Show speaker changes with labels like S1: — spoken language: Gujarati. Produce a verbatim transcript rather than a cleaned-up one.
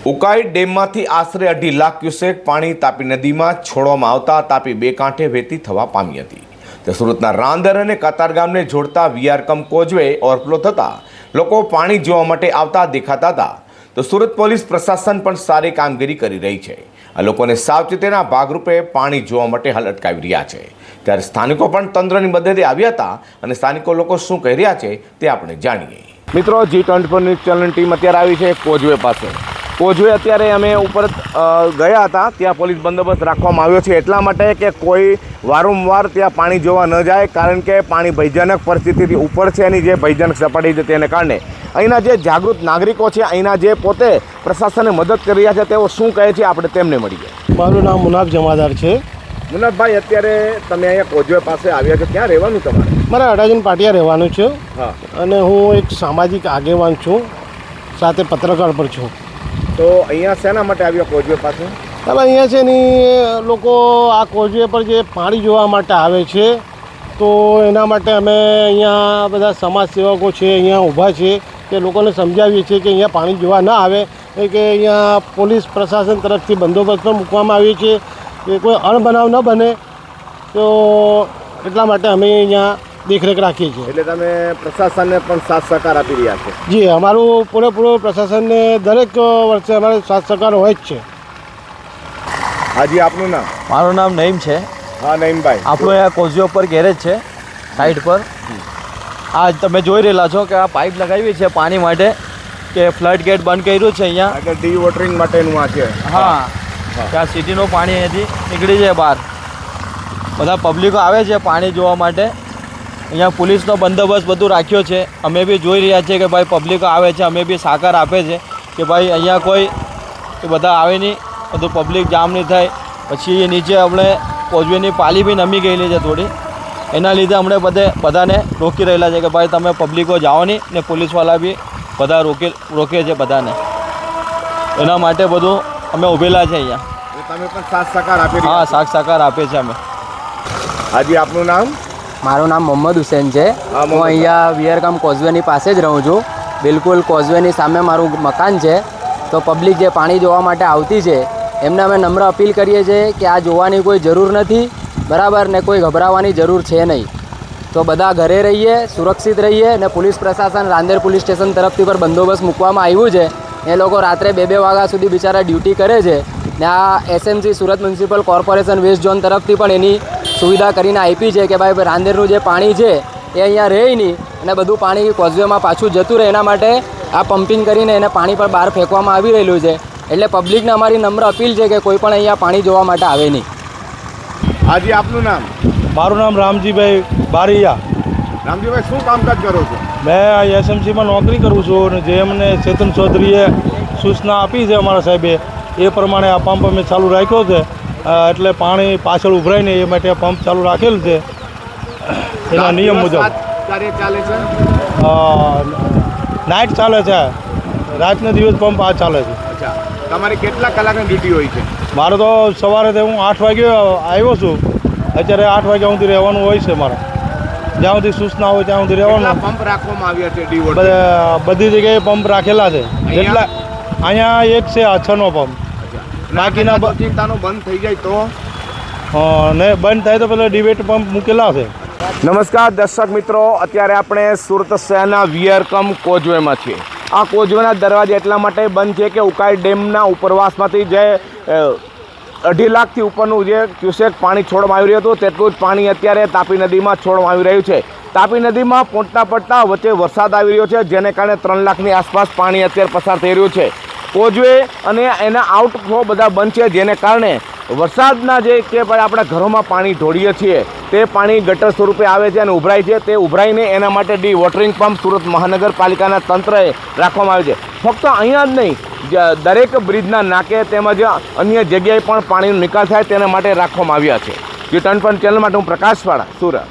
S1: ઉકાઈ ડેમમાંથી આશરે અઢી લાખ ક્યુસેક પાણી તાપી નદીમાં છોડવામાં આવતા તાપી બે કાંઠે વહેતી થવા પામી હતી. તો સુરતના રાંદર અને કતારગામને જોડતા વીઆરકમ કોઝવે ઓવરફ્લો થતાં લોકો પાણી જોવા માટે આવતા દેખાતા હતા. તો સુરત પોલીસ પ્રશાસન પણ સારી કામગીરી કરી રહી છે. આ લોકોને સાવચેતીના ભાગરૂપે પાણી જોવા માટે હાલ અટકાવી રહ્યા છે. ત્યારે સ્થાનિકો પણ તંત્રની મદદે આવ્યા હતા અને સ્થાનિકો લોકો શું કહી રહ્યા છે તે આપણે જાણીએ. મિત્રો, જી ટ્વેન્ટી ફોર ન્યૂઝ ચેનલની ટીમ અત્યારે આવી છે કોઝવે પાસે. કોઝવે અત્યારે અમે ઉપર ગયા હતા, ત્યાં પોલીસ બંદોબસ્ત રાખવામાં આવ્યો છે એટલા માટે કે કોઈ વારંવાર ત્યાં પાણી જોવા ન જાય, કારણ કે પાણી ભયજનક પરિસ્થિતિથી ઉપર છે. એની જે ભયજનક સપાટી છે તેને કારણે અહીંના જે જાગૃત નાગરિકો છે, અહીંના જે પોતે પ્રશાસનને મદદ કરી રહ્યા છે, તેઓ શું કહે છે આપણે તેમને મળીએ.
S2: મારું નામ મુનાફ જમાદાર છે.
S1: મુનાફભાઈ, અત્યારે તમે અહીંયા કોઝવે પાસે આવ્યા છો, ક્યાં રહેવાનું તમારે?
S2: મારે અડાજણ પાટિયા રહેવાનું છે.
S1: હા.
S2: અને હું એક સામાજિક આગેવાન છું, સાથે પત્રકાર પણ છું.
S1: તો અહીંયા શેના માટે આવ્યો કોઝવે પાસે?
S2: હવે અહીંયા છે ને લોકો આ કોઝવે પર જે પાણી જોવા માટે આવે છે, તો એના માટે અમે અહીંયા બધા સમાજ સેવકો છે, અહીંયા ઊભા છે, કે લોકોને સમજાવીએ છીએ કે અહીંયા પાણી જોવા ના આવે, કે અહીંયા પોલીસ પ્રશાસન તરફથી બંદોબસ્ત પણ મૂકવામાં આવ્યો છે કે કોઈ અણબનાવ ન બને, તો એટલા માટે અમે અહીંયા દેખરેખ રાખીએ છીએ.
S1: એટલે તમે પ્રશાસનને પણ સાથ સહકાર આપી રહ્યા છો?
S2: જી, અમારું પૂરેપૂરો પ્રશાસનને દરેક વર્ષે અમારે સાથ સહકાર હોય જ છે.
S1: હાજી, આપનું નામ?
S3: મારું નામ નઈમ છે.
S1: હા નઈમભાઈ,
S3: આપણું અહીંયા કોઝવે પર ગેરેજ છે સાઈડ પર. આ તમે જોઈ રહેલા છો કે આ પાઇપ લગાવી છે પાણી માટે, કે ફ્લડ ગેટ બંધ કર્યું છે અહીંયા
S1: આગળ ડી વોટરિંગ માટેનું આ છે.
S3: હા, ત્યાં સિટીનું પાણી અહીંયાથી નીકળી જાય બહાર. બધા પબ્લિકો આવે છે પાણી જોવા માટે. અહીંયા પોલીસનો બંદોબસ્ત બધું રાખ્યો છે. અમે બી જોઈ રહ્યા છીએ કે ભાઈ પબ્લિકો આવે છે, અમે બી સહકાર આપે છે કે ભાઈ અહીંયા કોઈ બધા આવે નહીં, બધું પબ્લિક જામ નહીં થાય. પછી નીચે આપણે કોઝવેની પાલી બી નમી ગયેલી છે થોડી, એના લીધે અમને બધે બધાને રોકી રહેલા છે કે ભાઈ તમે પબ્લિકો જાઓ નહીં, ને પોલીસવાળા બી બધા રોકી રોકે છે બધાને. એના માટે બધું અમે ઊભેલા છે અહીંયા.
S1: તમે પણ સાથ સહકાર આપી?
S3: હા, સાથ સહકાર આપે છે અમે.
S1: હાજી, આપનું નામ?
S4: મારું નામ મોહમ્મદ હુસેન છે. હું અહીંયા વીઆરકમ કોઝવેની પાસે જ રહું છું. બિલકુલ કોઝવેની સામે મારું મકાન છે. તો પબ્લિક જે પાણી જોવા માટે આવતી છે એમને અમે નમ્ર અપીલ કરીએ છીએ કે આ જોવાની કોઈ જરૂર નથી, બરાબર, ને કોઈ ગભરાવાની જરૂર છે નહીં. તો બધા ઘરે રહીએ, સુરક્ષિત રહીએ. અને પોલીસ પ્રશાસન રાંદેર પોલીસ સ્ટેશન તરફથી પણ બંદોબસ્ત મૂકવામાં આવ્યું છે. એ લોકો રાત્રે બે બે વાગ્યા સુધી બિચારા ડ્યુટી કરે છે. ને આ SMC Surat municipal corporation west zone તરફથી પણ એની સુવિધા કરીને આપી છે કે ભાઈ રાંદેરનું જે પાણી છે એ અહીંયા રહે નહીં, અને બધું પાણી કોઝવેમાં પાછું જતું રહે. એના માટે આ પમ્પિંગ કરીને એને પાણી પર બહાર ફેંકવામાં આવી રહેલું છે. એટલે પબ્લિકને અમારી નમ્ર અપીલ છે કે કોઈ પણ અહીંયા પાણી જોવા માટે આવે નહીં.
S1: હાજી, આપનું નામ?
S2: મારું નામ રામજીભાઈ બારૈયા.
S1: રામજીભાઈ, શું કામકાજ કરો છો?
S2: મેં એસએમસીમાં નોકરી કરું છું, અને જે અમને ચેતન ચૌધરીએ સૂચના આપી છે અમારા સાહેબે, એ પ્રમાણે આ પંપ અમે ચાલુ રાખ્યો છે. એટલે પાણી પાછળ ઉભરાય ને એ માટે પંપ ચાલુ રાખેલું છે એના નિયમ મુજબ.
S1: કાર્ય ચાલે છે?
S2: નાઇટ ચાલે છે, રાતના દિવસ પંપ આ ચાલે છે.
S1: અચ્છા, તમારી કેટલા કલાકની ડ્યુટી હોય છે?
S2: મારે તો સવારે તો હું આઠ વાગે આવ્યો છું, અત્યારે આઠ વાગ્યા સુધી રહેવાનું હોય છે મારે. જ્યાં સુધી સૂચના હોય ત્યાં સુધી રહેવાનું.
S1: પંપ રાખવામાં આવ્યા છે? ડી
S2: બધી જગ્યાએ પંપ રાખેલા છે. જેટલા અહીંયા એક છે આ છનો પંપ. બાકીના
S1: ચિંતાનો બંધ થઈ જાય તો
S2: ને બંધ થાય તો પેલા ડિબેટ પંપ મૂકેલા છે.
S1: નમસ્કાર દર્શક મિત્રો, અત્યારે આપણે સુરત શહેરના વીઆરકમ કોઝવેમાં છીએ. આ કોઝવેના દરવાજા એટલા માટે બંધ છે કે ઉકાઈ ડેમના ઉપરવાસમાંથી જે અઢી લાખથી ઉપરનું જે ક્યુસેક પાણી છોડવામાં આવી રહ્યું હતું, તેટલું જ પાણી અત્યારે તાપી નદીમાં છોડવામાં આવી રહ્યું છે. તાપી નદીમાં પહોંચતા પડતા વચ્ચે વરસાદ આવી રહ્યો છે, જેને કારણે ત્રણ લાખની આસપાસ પાણી અત્યારે પસાર થઈ રહ્યું છે. કોઝવે અને એના આઉટફ્લો બધા બંધ છે, જેને કારણે વરસાદના જે કે આપણા ઘરોમાં પાણી ઢોળીએ છીએ તે પાણી ગટર સ્વરૂપે આવે છે અને ઉભરાય છે. તે ઉભરાઈને એના માટે ડી વોટરિંગ પંપ સુરત મહાનગરપાલિકાના તંત્રએ રાખવામાં આવે છે. ફક્ત અહીંયા જ નહીં, દરેક બ્રિજના નાકે તેમજ અન્ય જગ્યાએ પણ પાણીનો નિકાલ થાય તેના માટે રાખવામાં આવ્યા છે. જી ટ્વેન્ટી ફોર ચેનલ માટે હું પ્રકાશ વાળા, સુરત.